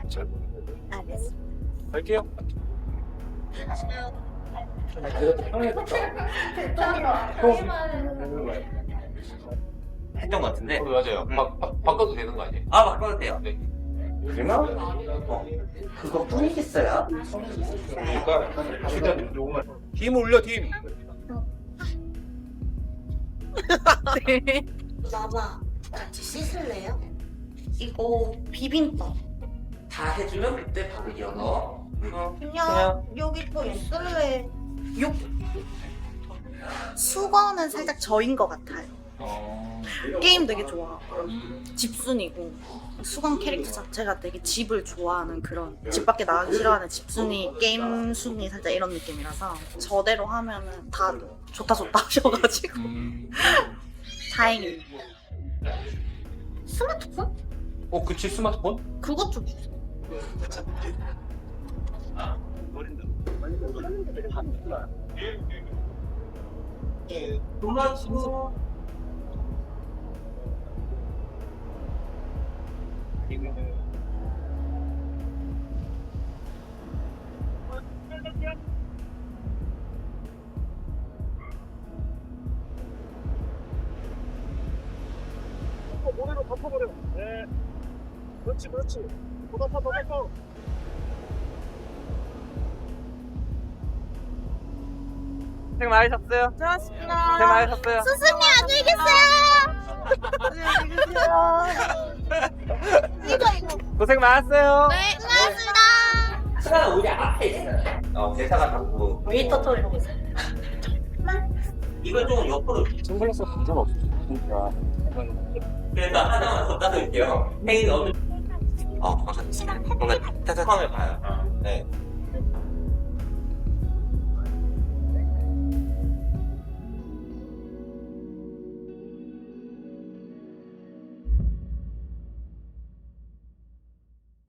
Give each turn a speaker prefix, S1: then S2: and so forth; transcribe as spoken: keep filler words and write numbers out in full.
S1: 잘 모르겠는데.
S2: 알겠어.
S1: 갈게요.
S3: 했던 것 같은데.
S4: 어, 맞아요.
S3: 음.
S4: 바, 바, 바꿔도 되는 거 아니에요?
S3: 아, 바꿔도 돼요.
S4: 네.
S3: 얼마? 어. 그거 뿐이겠어요?
S4: 그러니까 진짜 조금만.
S1: 팀 올려 팀.
S2: 네. 마마 같이 씻을래요? 이거 비빔밥.
S3: 다 해주면 그때 밥을 이어서. 어.
S2: 그냥 여기 또 있을래. 요 수건은 살짝 저인 것 같아요.
S4: 어.
S2: 게임 되게 좋아. 집순이고 수건 캐릭터 자체가 되게 집을 좋아하는 그런 집 밖에 나가기 싫어하는 집순이 게임 순이 살짝 이런 느낌이라서 저대로 하면은 다 좋다 좋다 하셔가지고
S4: 음.
S2: 다행이에요. 스마트폰?
S4: 어, 그치 스마트폰?
S2: 그것 좀 주세요.
S3: 도마치.
S1: 모래로 덮어버려. 네. 그렇지 그렇지. 더 덮어 더 덮어.
S3: 고생 많으셨어요.
S2: 고맙습니다.
S3: 고생 많으셨어요.
S2: 스승님 안녕히 계세요. 이거 이거.
S3: 고생 많았어요.
S2: 네, 수고하셨습니다.
S3: 시간은 우리 앞에 있어요. 어, 대사가 자꾸.
S2: 웨이터 터 이러고 있어요.
S3: 이걸 좀 옆으로.
S1: 선글라스 감정 없으니까.
S3: 그래서 하나만 더 따드릴게요. 행인 어느. 어, 감사합니다. 뭔가 따뜻함을 봐요. 네.